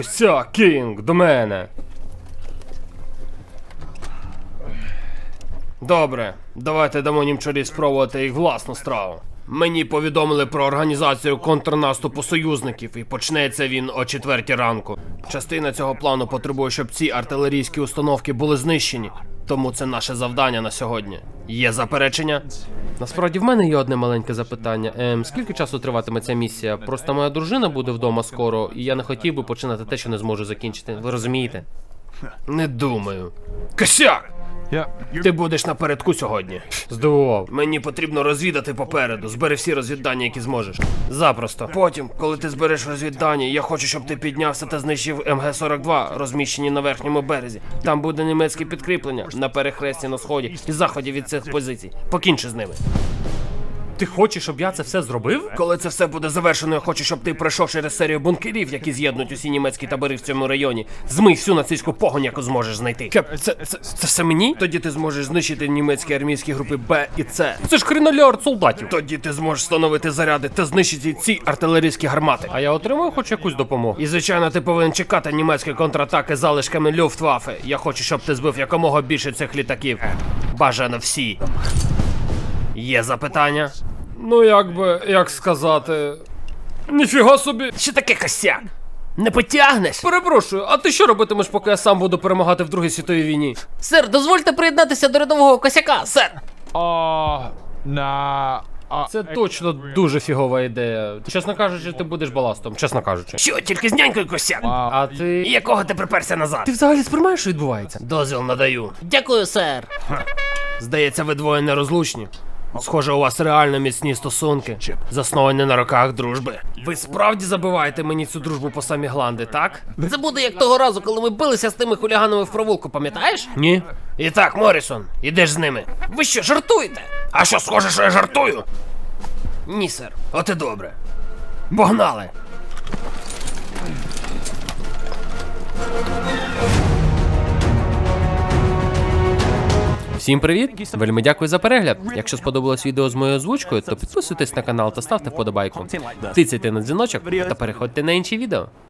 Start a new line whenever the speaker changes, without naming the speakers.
Косяк, Кінг, до мене. Добре, давайте дамо німчурі спробувати їх власну страву. Мені повідомили про організацію контрнаступу союзників, і почнеться він о 4 ранку. Частина цього плану потребує, щоб ці артилерійські установки були знищені. Тому це наше завдання на сьогодні. Є заперечення? Насправді в мене є одне маленьке запитання. Скільки часу триватиме ця місія? Просто моя дружина буде вдома скоро, і я не хотів би починати те, що не зможу закінчити. Ви розумієте? Не думаю. Косяк! Ти будеш напередку сьогодні. Здивував. Мені потрібно розвідати попереду. Збери всі розвіддання, які зможеш. Запросто. Потім, коли ти збереш розвіддання, я хочу, щоб ти піднявся та знищив МГ-42, розміщені на верхньому березі. Там буде німецьке підкріплення на перехресті на сході і заході від цих позицій. Покінчи з ними. Ти хочеш, щоб я це все зробив? Коли це все буде завершено, я хочу, щоб ти пройшов через серію бункерів, які з'єднують усі німецькі табори в цьому районі. Змий всю нацистську погонь, яку зможеш знайти. Кеп, це все мені? Тоді ти зможеш знищити німецькі армійські групи Б і С. Це ж хренолярд солдатів. Тоді ти зможеш встановити заряди та знищити ці артилерійські гармати. А я отримую хоч якусь допомогу. І звичайно, ти повинен чекати німецькі контратаки залишками Люфтваффе. Я хочу, щоб ти збив якомога більше цих літаків. Бажано всі. Є запитання? Ну, як сказати... Ніфіга собі. Що таке косяк? Не потягнеш? Перепрошую, а ти що робитимеш, поки я сам буду перемагати в Другій світовій війні?
Сер, дозвольте приєднатися до рядового косяка, сер!
Це точно дуже фігова ідея. Чесно кажучи, ти будеш баластом, чесно кажучи.
Що, тільки з нянькою косяк?
А ти...
Якого ти приперся назад?
Ти взагалі сприймаєш, що відбувається?
Дозвіл надаю. Дякую, сер.
Здається, ви двоє нерозлучні. Схоже, у вас реально міцні стосунки, засновані на роках дружби. Ви справді забиваєте мені цю дружбу по самі гланди, так?
Це буде як того разу, коли ми билися з тими хуліганами в провулку, пам'ятаєш?
Ні.
І так, Моррісон, ідеш з ними. Ви що, жартуєте?
А що, схоже, що я жартую?
Ні, сер.
От і добре. Погнали! Всім привіт! Вельми дякую за перегляд. Якщо сподобалось відео з моєю озвучкою, то підписуйтесь на канал та ставте вподобайку. Тицяйте на дзвіночок та переходьте на інші відео.